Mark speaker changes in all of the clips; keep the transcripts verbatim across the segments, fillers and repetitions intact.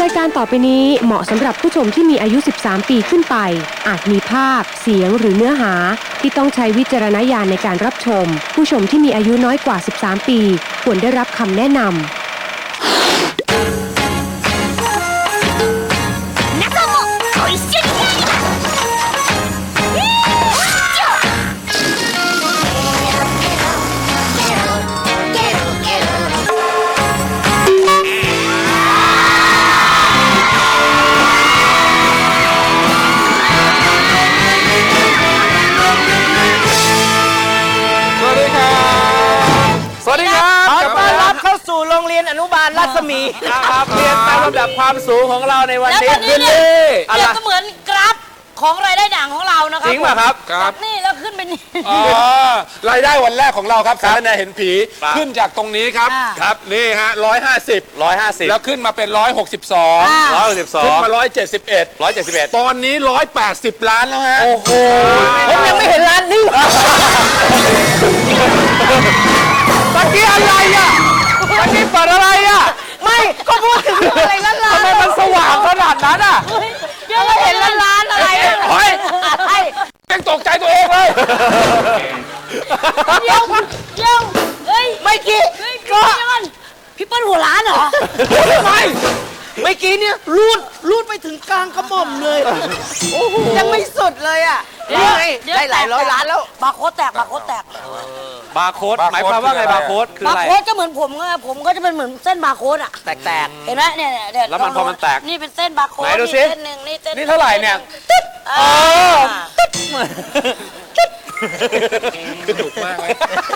Speaker 1: ายการต่อไปนี้เหมาะสำหรับผู้ชมที่มีอายุ สิบสาม ปีขึ้นไป อาจมีภาพ เสียงหรือเนื้อหาที่ต้องใช้วิจารณญาณในการรับชม ผู้ชมที่มีอายุน้อยกว่า สิบสาม ปี ควรได้รับคำแนะนำ
Speaker 2: สวัสดีครับขอต้อนรับเข้าสู่
Speaker 3: โรงเรียนอนุบาลรัศมี
Speaker 2: นะครับเรียนตามลำดับความสูงของเราในวัน
Speaker 4: แล้ว
Speaker 2: นี้
Speaker 4: ตอนนี้
Speaker 2: ขึ้น
Speaker 4: เนี่ย
Speaker 2: นี่
Speaker 4: เปรียบเสมือนกราฟของรายได้ด่างของเรานะครับ
Speaker 2: จริงป่ะครับ
Speaker 4: จากนี่แล้วขึ้นไปนี่
Speaker 5: อ๋อรายได้วันแรกของเราครับสารแนเห็นผีขึ้นจากตรงนี้ครับ
Speaker 4: อ่า
Speaker 5: ครับนี่ฮะร้อยห้าสิบ
Speaker 2: ร้อยห้าสิบ
Speaker 5: แล้วขึ้นมาเป็นร้อยหกสิบสอง
Speaker 4: อ่า
Speaker 2: ร้อยหกสิบสอ
Speaker 5: ขึ้น
Speaker 2: ง
Speaker 5: มาร้อยเจ็ดสิบเอ็ด
Speaker 2: ร้อยเจ็ดสิบเอ็ด
Speaker 5: ตอนนี้ร้อยแปดสิบล้านแล้วฮะ
Speaker 2: โอ้โห
Speaker 3: ผมยังไม่เห็นร้านนี้
Speaker 2: ตะกี้อะไรอ่ะตะกี้เปิดอะไรอ่ะ
Speaker 3: ไม่ก็พูดถึงอะไรล้านล้าน
Speaker 2: ทำไมมันสว่างขนาดนั้นอ่ะ
Speaker 4: ยังไม่เห็นล้านล้านอะไรเลย
Speaker 2: เฮ้ย
Speaker 5: ยังตกใจตัวเองเลย
Speaker 4: เดี๋ยวเดี๋ยวเฮ้ย
Speaker 3: ไม่กี่
Speaker 4: เฮ้ยพี่เปิ้ลพี่เปิ้ลหัวล้านเหรอ
Speaker 3: ไม่เมื่อกี้เนี่ยรูดรูดไปถึงกลางกระหม่อมเลยยังไม่สุดเลยอ่ะนี่ไงได้หลายร้อยล้านแล้ว
Speaker 4: บาร์โค้ดแตกบาร์โค้ดแตก
Speaker 2: บาร์โค้ดหมายความว่าไงบาร์โค้ดคือบ
Speaker 4: า
Speaker 2: อะไร
Speaker 4: ร์โค้ดก็เหมือนผมไงผมก็จะเป็นเหมือนเส้นบาร์โค้ดอ่ะ
Speaker 3: แตก
Speaker 4: เห็นไหมเนี่ยเนี่ยเนี่ย
Speaker 2: แล้วมันพอมันแตก
Speaker 4: นี่เป็นเส้นบาร์โค้ด
Speaker 2: ไหนดูสิ
Speaker 4: เส้นหนึ่งนี่เส้น
Speaker 2: นี่เท่าไหร่เนี่ย
Speaker 4: ตึ๊ดเออ
Speaker 5: สนุกมากเลย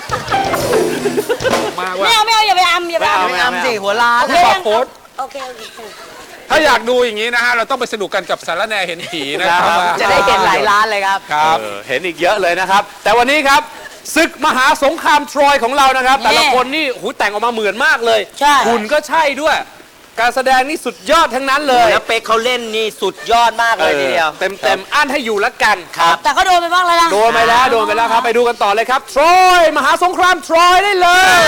Speaker 5: มากว่า
Speaker 4: ไม่เอาไม่เอาอย่าไปอำอย่าไป
Speaker 2: ไม่เอา
Speaker 4: อำ
Speaker 3: ไม่อำสิหัวล้าน
Speaker 4: โอเค
Speaker 5: บาร์โค้ด
Speaker 4: โอเคโอเค
Speaker 5: ถ้าอยากดูอย่างนี้นะฮะเราต้องไปสนุกกันกับสารแนเห็นผีนะครับ
Speaker 3: จะได้เห็นหลายล้านเลยครับ
Speaker 5: ครับ
Speaker 2: เออเห็นอีกเยอะเลยนะครับ แต่วันนี้ครับศึกมหาสงครามทรอยของเรานะครับ แต่ละคนนี่หูแต่งออกมาเหมือนมากเลย
Speaker 4: ใช่
Speaker 2: หุ่นก็ใช่ด้วย การแสดงนี่สุดยอดทั้งนั้นเลย
Speaker 3: แล้วเป๊กเขาเล่นนี่สุดยอดมากเลยทีเดียว
Speaker 2: เต็มเต็มๆอั้นให้อยู่ละกัน
Speaker 3: ครับ
Speaker 4: แต่ก็โดนไปบ้างแล้วนะ
Speaker 2: โดนไปแล้วโดนไปแล้วครับไปดูกันต่อเลยครับทรอยมหาสงครามทรอยได้เลย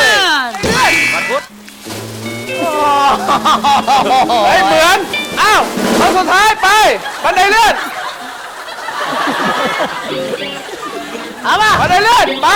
Speaker 2: เฮ้ยเหมือนอ้าวคนสุดท้ายไปบันไดเลื่อนเอามาบันไดเลื่อนไป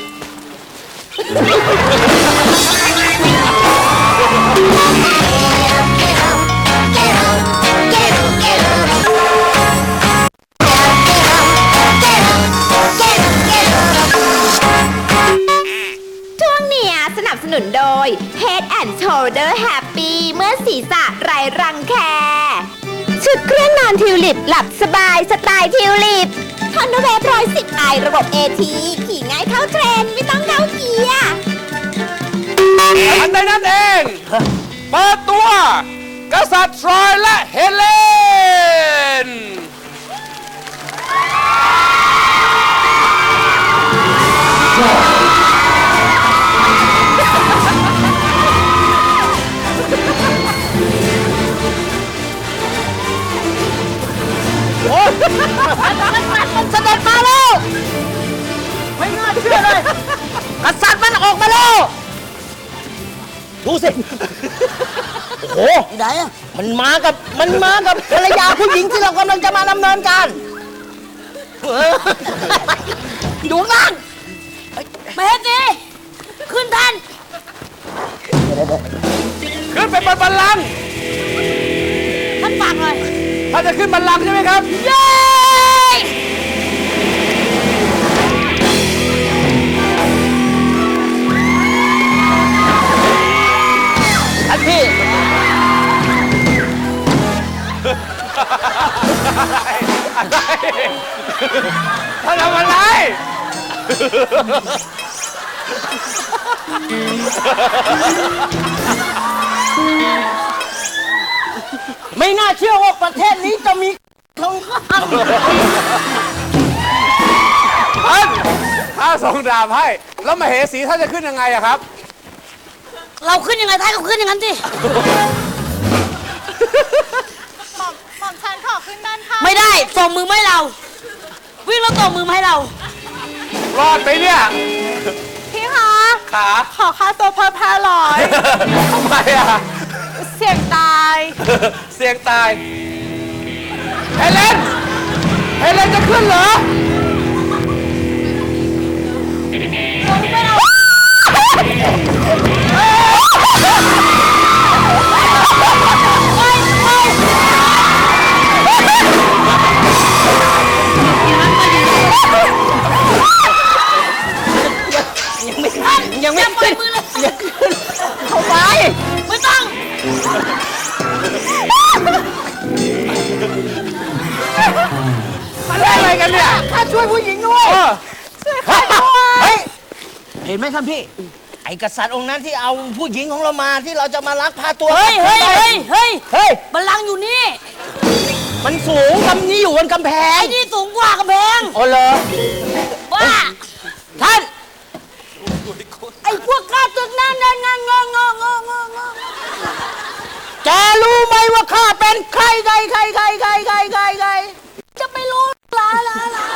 Speaker 6: ช่วงเนี้ยสนับสนุนโดย Head and Shoulder Happy เมื่อศีรษะไร้รังแคชุดเครื่องนอนทิวลิปหลับสบายสไตล์ทิวลิปคอนโดเวฟร้อยสิบไอระบบ เอ ที ขี่ง่ายเข้าเทรนด์ไม่ต้องเข้าเกียร์
Speaker 2: อันใดนั่นเองเปิดตัว กษัตริย์ทรอยและเฮเลนเสด็จมาแล้วไม่น่าเชื่อเลยกษัตริย์มันออกมาแล้วดูสิ
Speaker 3: โอ้โห
Speaker 4: ไหนอะ
Speaker 3: มันมากับมันมากับภรรยาผู้หญิงที่เรากำลังจะมาดำเนินการเอออยู่ข้างล่าง
Speaker 4: เบสดิขึ้นทัน
Speaker 2: ขึ้นไปบนบัลลังก์
Speaker 4: ท่านฝากหน่อย
Speaker 2: ถ้าจะขึ้นบัลลังก์ใช่ไหมครับ
Speaker 4: เย้
Speaker 3: ท่านพี่
Speaker 2: ท่านทำอะไร
Speaker 3: ไม่น่าเชื่อว่าประเทศนี้จะมีทองคำ
Speaker 2: ท่านถ้าส่งดาบให้ แล้วมาเหสีท่านจะขึ้นยังไงอะครับ
Speaker 4: เราขึ้นยังไงท้ายก็ขึ้นอย่างนั้นสิ
Speaker 6: หม่อมหม่อมฉันขอขึ้นด้านข้าง
Speaker 4: ไม่ได้ส่งมือมาให้เรา วิ่งแล้วส่งมือมาให้เรา
Speaker 2: รอดไปเนี่ย
Speaker 6: พี่คะ
Speaker 2: ขา
Speaker 6: ขอค่าตัวเพิ่มห้าร้อย
Speaker 2: ทำไมอะ
Speaker 6: เสี่ยงตาย
Speaker 5: เสี่ยงตายเฮเลนเฮเลนจะขึ้นเหรอ
Speaker 3: ยังไม่
Speaker 4: อย่าปล่อย
Speaker 3: ขึ้น
Speaker 4: มือเลย
Speaker 3: ยังขึ้นเข้าไป
Speaker 4: ไม่ต้อง
Speaker 5: มาเล่นอะไรกันเนี่ย
Speaker 3: ข้าช่วยผู้หญิงด้วย
Speaker 5: เออ
Speaker 3: เฮ้ย เห็นไหมท่านพี่ ไอ้กษัตริย์องค์นั้นที่เอาผู้หญิงของเรามาที่เราจะมาลักพาตัว
Speaker 4: เฮ้ยเฮ้ยเฮ้ยเฮ้ย
Speaker 3: เฮ้ย
Speaker 4: บัลลังก์อยู่นี่
Speaker 3: มันสูงกำนี้อยู่บนกำแพง
Speaker 4: ไอ้นี่สูงกว่ากำแพง
Speaker 3: โอ้เหรอ
Speaker 4: บ้า
Speaker 3: ท่าน
Speaker 4: ไอ้พวกข้าตึกนั่นนั่นนั่นงองงองงองงอ
Speaker 3: แกรู้ไหมว่าข้าเป็นใครใครใครใครใครใครใครใคร
Speaker 4: จะไปรู้ลาลาลา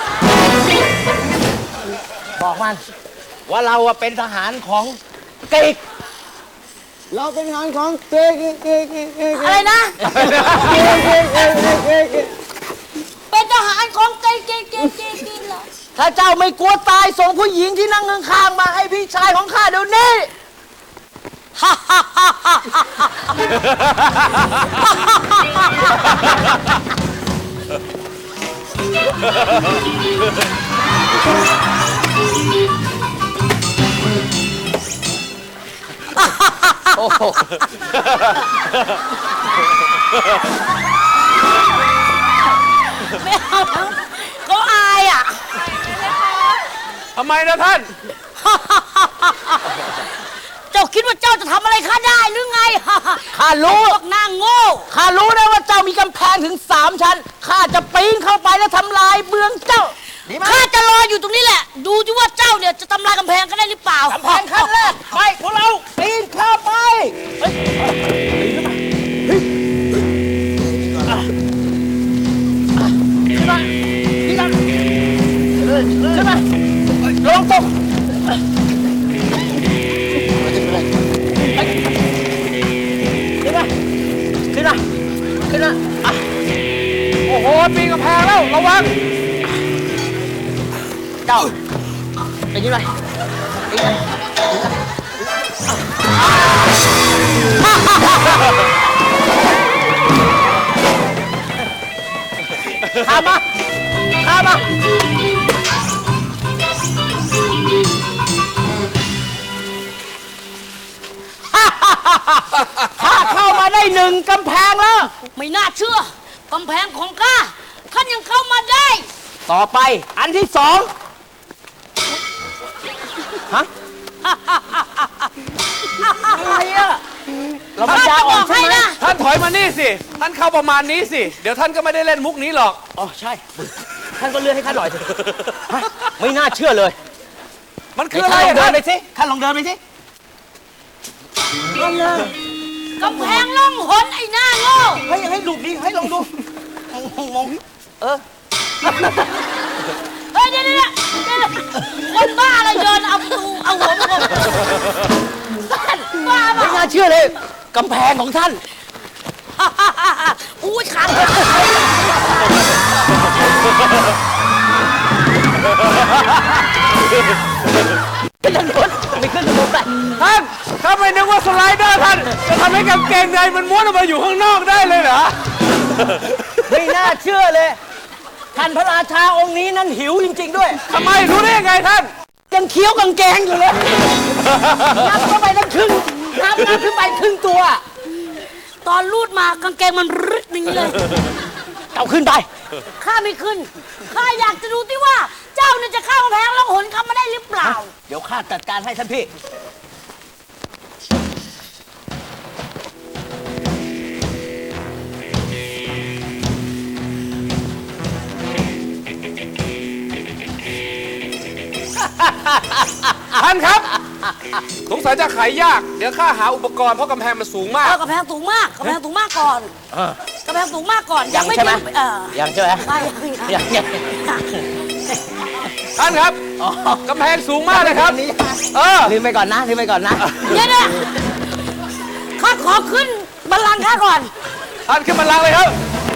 Speaker 3: บอกมัน ว่าเราอะเป็นทหารของเกิกเราเป็นทหารของเกิกเกิกเกิกเกิก
Speaker 4: อะไรนะ เป็นทหารของเกย์เกย์เกย์เกย์เกย์เหรอ
Speaker 3: ถ้าเจ้าไม่กลัวตายส่งผู้หญิงที่นั่งข้างๆมาให้พี่ชายของข้าเดี๋ยวนี้ โอ้โห
Speaker 4: ไม่เอาแล้วเขาอายอ่ะ
Speaker 5: ทำไมนะท่าน
Speaker 4: เจ้าคิดว่าเจ้าจะทำอะไรข้าได้หรือไง
Speaker 3: ข้ารู้
Speaker 4: พวกนางโง่
Speaker 3: ข้ารู้นะว่าเจ้ามีกำแพงถึงสามชั้น ข้าจะปีนเข้าไปแล้วทำลายเมืองเจ้า ดีไหม
Speaker 4: ข้าจะรออยู่ตรงนี้แหละ ดูที่ว่าเจ้าเนี่ยจะทำลายกำแพงกันได้หรือเปล่าก
Speaker 3: ำแพงขั้นแรก ไปพวกเราปีนเข้าไปเฮ้ยขึ้นมาขึ้นมาขึ้นมาลงตกขึ้นมาขึ้นมาขึ้นมาอ่ะ
Speaker 5: โอ้โห ปีนกำแพงแล้ว ระวัง
Speaker 3: เจ้าไปยืนไปยืนไปข้ามาข้ามาข้าเข้ามาได้หนึ่งกำแพงแล้ว
Speaker 4: ไม่น่าเชื่อกำแพงของข้าท่านยังเข้ามาได้
Speaker 3: ต่อไปอันที่สองฮะ อะไรอะเราปัญ
Speaker 4: ข้า
Speaker 3: ญา
Speaker 4: จะ
Speaker 3: อ่
Speaker 4: บ
Speaker 3: อ
Speaker 4: อน ก
Speaker 3: ใช่
Speaker 4: ให้
Speaker 3: ไหม
Speaker 4: นะ
Speaker 5: ท่านถอยมานี่สิ ท่านเข้าประมาณนี้สิ เดี๋ยวท่านก็ไม่ได้เล่นมุกนี้หรอก
Speaker 3: อ๋อใช่ ท่านก็เลื่อนให้ข้าหน่อยสิฮะไม่น่าเชื่อเลย
Speaker 5: มันคืออะไร
Speaker 3: ท่านลองเดิ
Speaker 5: อะท่าน น
Speaker 3: ไปสิท่านลองเดินไปสิ
Speaker 4: กำแพงล่องหนไอ้หน้าโง่
Speaker 3: ให้ยให้ดูดิให้ลองดูมองมองเออ
Speaker 4: เฮ้ยเดี๋ยวเดี๋ยวเดี๋ยวคนบ้าอะไรเดินเอาประตูเอาหัวมาบอกท่านบ้าเป
Speaker 3: ไม่
Speaker 4: ล่า
Speaker 3: น่าเชื่อเลยกำแพงของท่าน
Speaker 4: อุ้ยขาด
Speaker 3: ขึ้นถนนไม่ขึ้นถนนไป
Speaker 5: ท่านถ้าไม่นึกว่าสไลเดอร์ท่านจะทำให้กางเกงในมันม้วนออกมาอยู่ข้างนอกได้เลยเหรอ
Speaker 3: ไม่น่าเชื่อเลย ท่านพระราชาองค์นี้นั้นหิวจริง ๆ ด้วย
Speaker 5: ทำไมรู้ได้ยังไงท่าน
Speaker 3: ยังเคี้ยวกางเกงอยู่เลยนับเข้าไปตั้งครึ่งนับนับขึ้นไปครึ่งตัว
Speaker 4: ตอนรูดมากางเกงมันรึดอย่างนี้เลย
Speaker 3: เอาขึ้นไป
Speaker 4: ข้าไม่ขึ้น ข้าอยากจะดูที่ว่า เจ้าเนี่ยจะเข้ากำแพงล่องหนเข้ามาได้หรือเปล่า
Speaker 3: เดี๋ยวข้าจัดการให้ท่านพี่
Speaker 5: ท่านครับ สงสัยจะขายยาก เดี๋ยวข้าหาอุปกรณ์เพราะกำแพงมันสูงมา
Speaker 4: เอก อกำแพงสูงมากกำแพงสูงมากก่อน
Speaker 3: เออก
Speaker 4: ำแพงสูงมากก่อน
Speaker 3: ยังใช่ไหม
Speaker 4: ถึงเออ
Speaker 3: ยังใช่ไหม
Speaker 4: ไม่ยัง
Speaker 3: ยังยัง
Speaker 5: ท่านครับ
Speaker 3: อ๋อก
Speaker 5: ำแพงสูงมากเลยครับ
Speaker 3: นี่
Speaker 5: เออ
Speaker 3: ลืมไปก่อนนะลืมไปก่อนนะ
Speaker 4: เดี๋ยวเนี่ยข้าขอขึ้นบัลลังก์ข้าก่อน
Speaker 5: ท่านขึ้นบัลลังก์เลยครับ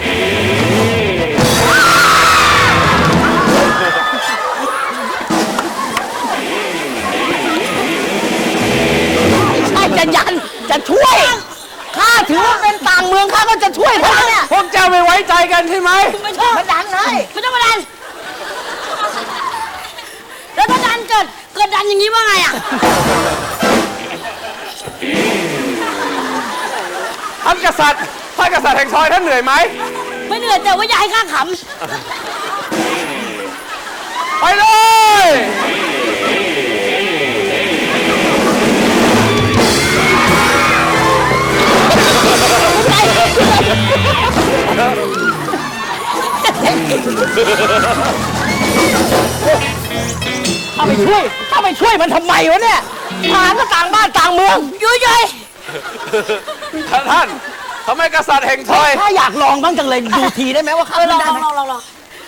Speaker 3: ใช่จะยันจะช่วยข้าถือว่าเป็นต่างเมืองข้าก็จะช่วยท่านเนี่ย
Speaker 5: พวกเจ้าไม่ไว้ใจกันใช่ไหม
Speaker 4: ไม่ชอบ
Speaker 3: มาดันเลย
Speaker 4: ไม่ต้องมาดัน แล้วถ้าดันเกิด เกิดดันอย่างนี้ว่าไงอ่ะ
Speaker 5: ท่านกษัตริย์ ท่านกษัตริย์แห่งทรอยท่านเหนื่อยไหม
Speaker 4: ไม่เหนื่อยแต่ว่าอย่าให้ข้าข
Speaker 5: ไปเลย
Speaker 3: ข้าไปช่วยข้าไปช่วยมันทำไมวะเนี่ยทหารก็ต่างบ้านต่างเมือง
Speaker 4: ำยุ่ยย
Speaker 5: ท่านท่านทำไมกษัตริย์แห่งทรอย
Speaker 3: ข้าอยากลองบ้างจังเลยดูทีได้ไหมว่าข้า
Speaker 4: เออล
Speaker 3: ทำ
Speaker 4: อง
Speaker 3: ได้
Speaker 4: ลอง
Speaker 3: ไหม
Speaker 4: ลองลองลอง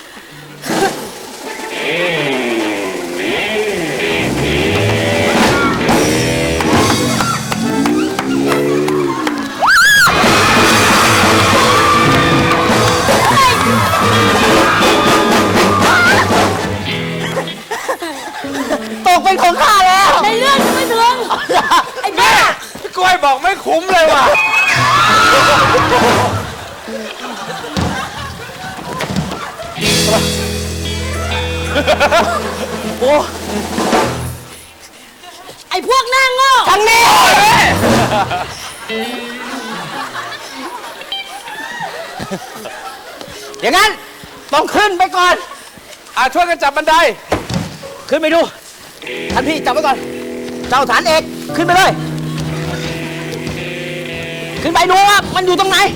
Speaker 3: ตกเป็นของข้าแล้ว
Speaker 4: ในเรื่องยังไม่ถึง ไอ้บ้า
Speaker 5: พี่กล้วยบอกไม่คุ้มเลยว่ะ
Speaker 3: โอ้
Speaker 4: ไอ้พวกหน้าโง่
Speaker 3: ทางนี้อย่างนั้นต้องขึ้นไปก่อน
Speaker 5: อ่ะช่วยกันจับบันได
Speaker 3: ขึ้นไปดู ท่านพี่จับไว้ก่อน เจ้าฐานเอกขึ้นไปเลย ขึ้นไปดูว่ามันอยู่ตรงไหน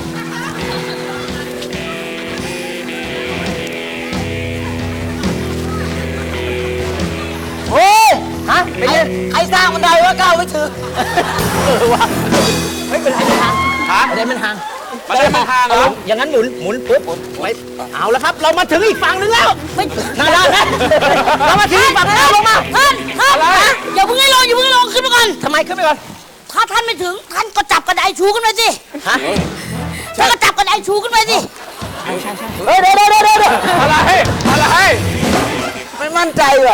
Speaker 3: โอ้ยฮะเป็นไงใครสร้างบันไดวะก้าวไม่ถึงเออว่ะไม่เป็นไรมันห่าง
Speaker 5: ฮะ
Speaker 3: บันไดมันห่าง
Speaker 5: บันไดมันห่างเหรอ
Speaker 3: อย่างนั้นหมุนหมุนปุ๊บไว้เอาแล้วครับ เรามาถึงอีกฝั่งนึงแล้วไม่น่าได้ไหมเรามาถึงอีกฝั่งแล้วลงมา
Speaker 4: ท่านท่านนะอย่าเพิ่งให้ลงอย่าเพิ่งให้ลงขึ้นมาก่อน
Speaker 3: ทำไมขึ้นไปก่อน
Speaker 4: ถ้าท่านไม่ถึง ท่านก็จับกระไดชูขึ้นมาสิ
Speaker 3: ฮะ
Speaker 4: ท่านก็จับกระไดชูขึ้นมาสิ
Speaker 3: เฮ้ยเดี๋ยวเดี๋ยวเดี๋ยวเดี๋ยว
Speaker 5: อะไร อะไร
Speaker 3: ไม่มั่นใจว่ะ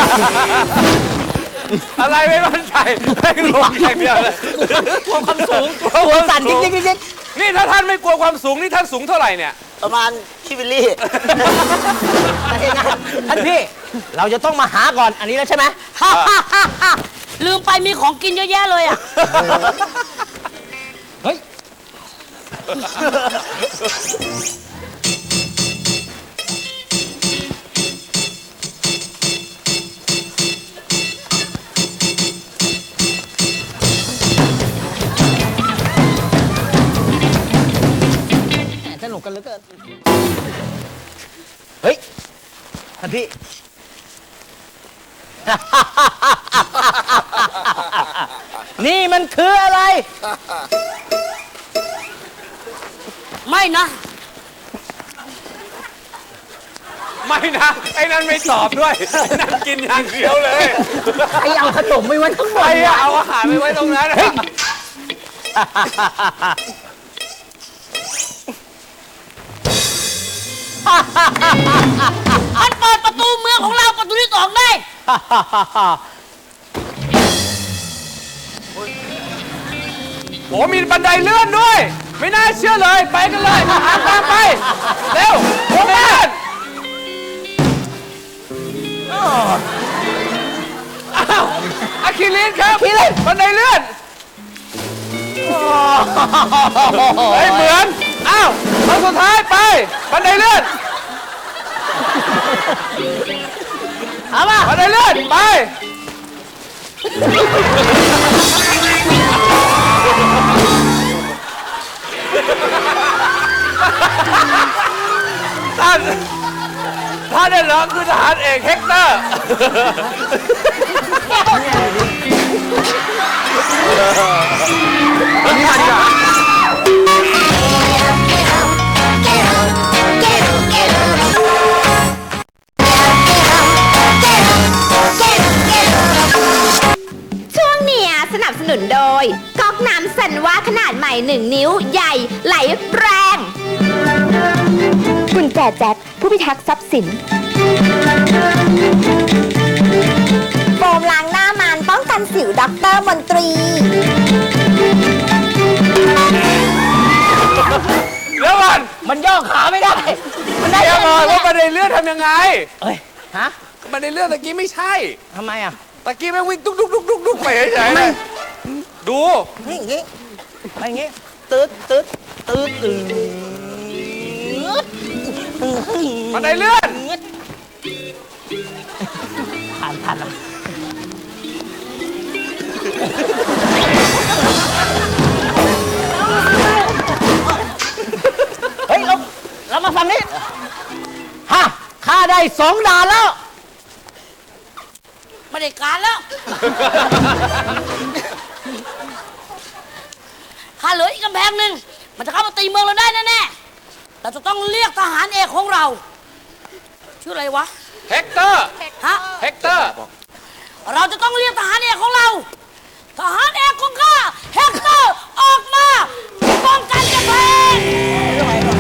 Speaker 5: อะไรไม่มั่นใจให้ลงอย่างเดียวเลย
Speaker 3: กลัวความสูงกลัวสั่นจริงจริงจริง
Speaker 5: นี่ถ้าท่านไม่กลัวความสูงนี่ท่านสูงเท่าไหร่เนี่ย
Speaker 3: ประมาณพี่วิลลี่ท่านพี่ เราจะต้องมาหาก่อนอันนี้แล้วใช่ไหม
Speaker 4: ฮ่าฮ่าฮ่าฮ่าลืมไปมีของกินเยอะแยะเลยอ่ะ
Speaker 3: เฮ้ย สนุกกันเหลือเกิน เฮ้ย ท่านพี่ นี่มันคืออะไร
Speaker 4: ไม่นะ
Speaker 5: ไม่นะ ไอ้นั่นไม่ตอบด้วยไอ้นั่นกินอย่างเดียวเลย
Speaker 3: ไอเอาขนมไม่ไว้ทั้งหม
Speaker 5: ใคร
Speaker 3: ด
Speaker 5: อะเอาอาหารไปไว้ตรงนั้นอะ
Speaker 4: ท่านเปิดประตูเมืองของเราประตูที่สองได้
Speaker 5: โอ้มีบันไดเลื่อนด้วย ไม่น่าเชื่อเลย ไปกันเลยทหารตามไป เร็วโอ้แม่นอ้าวอะคิลินครับคิลินบันไดเลื่อนเฮ้ยเหมือน อ้าวตอนสุดท้ายไป บันไดเลื่อน
Speaker 3: เอามา
Speaker 5: บันไดเลื่อน ไป ท่านท่านเนี่ยเหรอคือทหารเอกเฮกเตอร์ นี่มันจะ
Speaker 6: ช่วงเนี้ยสนับสนุนโดยก๊อกน้ำสันไวว่าขนาดใหม่หนึ่งนิ้วใหญ่ไหลแรงกุญแจแจ็คผู้พิทักษ์ทรัพย์สินโฟมล้างหน้ามันป้องกันสิวด็อกเตอร์มนตรี
Speaker 5: แล้วก่อน
Speaker 3: มันย่อขาไม่ได้ มันได้
Speaker 5: เดี๋ยว
Speaker 3: แค่
Speaker 5: ก่อน
Speaker 3: นี้
Speaker 5: ว่าบันไดเลื่อนทำยังไง
Speaker 3: เอ้ย ฮะ
Speaker 5: บันไดเลื่อนตะกี้ไม่ใช่
Speaker 3: ทำไมอ่ะ
Speaker 5: ตะกี้แม่งวิ่งตุ๊กตุ๊กตุ๊กตุ๊กตุ๊กไปเฉยๆเลยดู
Speaker 3: นี่อย่างงี้ไปอย่างงี้ตืดตืดตืดตืด
Speaker 5: บันไดเลื่อน
Speaker 3: ผ่านผ่านแล้วเฮ้ย เรา เรามาฟังนี่ฮะข้าได้สองด่านแล้ว
Speaker 4: ไม่ได้การแล้วข้าเหลืออีกกำแพงหนึ่งมันจะเข้ามาตีเมืองเราได้แน่ๆเราจะต้องเรียกทหารเอกของเรา ชื่ออะไรวะ
Speaker 5: เฮกเตอร์
Speaker 4: ฮะ
Speaker 5: เฮกเตอร์
Speaker 4: เราจะต้องเรียกทหารเอกของเรา ทหารเอกของข้าเฮกเตอร์ออกมาป้องกันกำแพง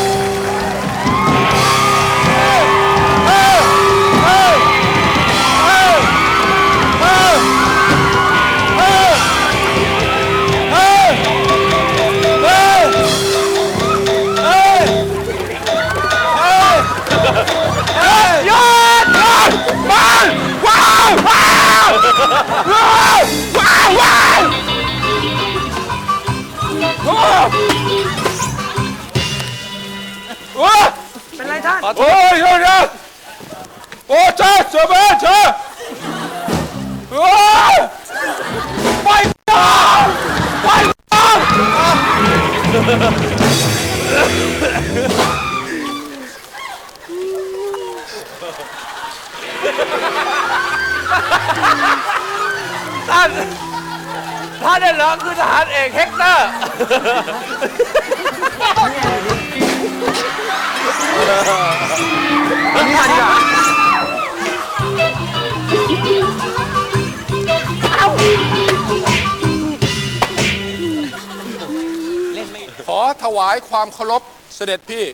Speaker 5: หยุดหยุดมันว้าวว้าวว้าวว้าวว้าวโอ้โอ้เป็นไรท่านโอ้ยเดี๋ยวเดี๋ยวโอ้เจ้าเจ้าแม่เจ้าโอ้ยไปต่อไปต่อท่านท่านเนี่ยเหรอคือทหารเอกเฮกเตอร์ขอถวายความเคารพเสด็จพี่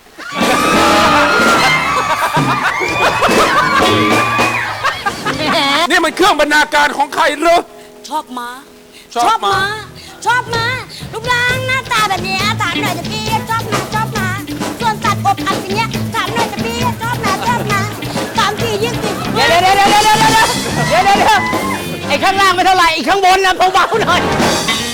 Speaker 5: นี่มันเครื่องบรรณาการของใครเหรอ
Speaker 4: ชอบม้า
Speaker 5: ชอบม้า
Speaker 4: ชอบม้ารูปร่างหน้าตาแบบเนี้ยถามหน่อยจะพี่ชอบม้าชอบม้าส่วนตัดอบอัดอย่างเงี้ยถามหน่อยจะพี่ชอบม้าชอบม้าสามทียิ่งติด
Speaker 3: เดี๋ยวเดี๋ยวเดี๋ยวเดี๋ยวเดี๋ยวเดี๋ยวเดี๋ยวเดี๋ยวไอ้ข้างล่างไม่เท่าไหร่ไอ้ข้างบนนะเบาๆหน่อย